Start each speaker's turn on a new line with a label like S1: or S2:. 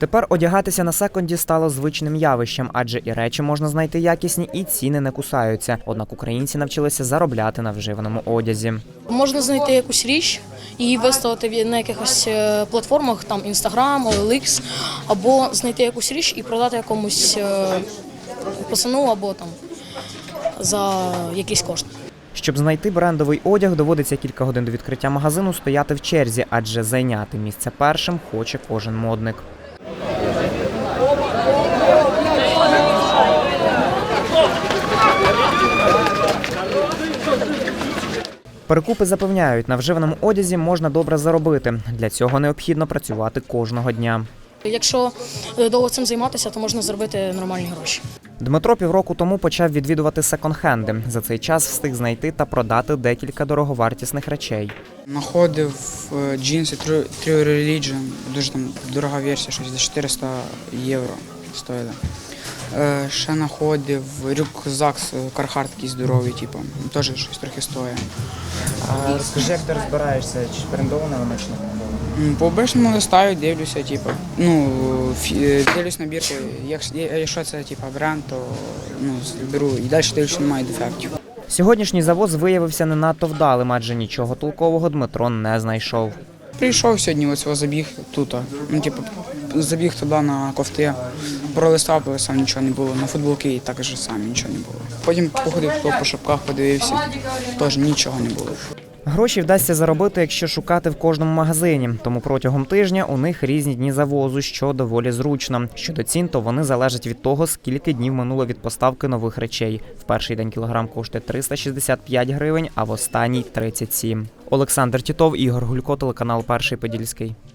S1: Тепер одягатися на секонді стало звичним явищем, адже і речі можна знайти якісні, і ціни не кусаються. Однак українці навчилися заробляти на вживаному одязі.
S2: Можна знайти якусь річ і виставити на якихось платформах, там Instagram, OLX, або знайти якусь річ і продати якомусь пацану або там за якийсь кошт.
S1: Щоб знайти брендовий одяг, доводиться кілька годин до відкриття магазину стояти в черзі, адже зайняти місце першим хоче кожен модник. Перекупи запевняють, на вживаному одязі можна добре заробити. Для цього необхідно працювати кожного дня.
S2: Якщо довго цим займатися, то можна заробити нормальні гроші.
S1: Дмитро півроку тому почав відвідувати секонд-хенди. За цей час встиг знайти та продати декілька дороговартісних речей.
S3: Знаходив джинси True Religion, дуже там дорога версія, щось за 400 євро стоїла. Ще знаходив рюкзак Carhartt такий здоровий, типу, теж щось трохи стоїть.
S1: А розкажи, як ти розбираєшся, чи брендовано воно, чи не брендовано?
S3: По обичному листаю, дивлюся, типу, дивлюсь набірку, якщо це типу, бренд, то беру і далі дивлюся, немає дефектів.
S1: Сьогоднішній завоз виявився не надто вдалим, адже нічого толкового Дмитро не знайшов.
S3: Прийшов сьогодні, ось забіг тут, забіг туди на кофти, пролистав, нічого не було, на футболки і також сам нічого не було. Потім походив по шапках, подивився, теж нічого не було.
S1: Гроші вдасться заробити, якщо шукати в кожному магазині. Тому протягом тижня у них різні дні завозу, що доволі зручно. Щодо цін, то вони залежать від того, скільки днів минуло від поставки нових речей. В перший день кілограм коштує 365 гривень, а в останній – 37. Олександр Тітов, Ігор Гулько, телеканал «Перший Подільський».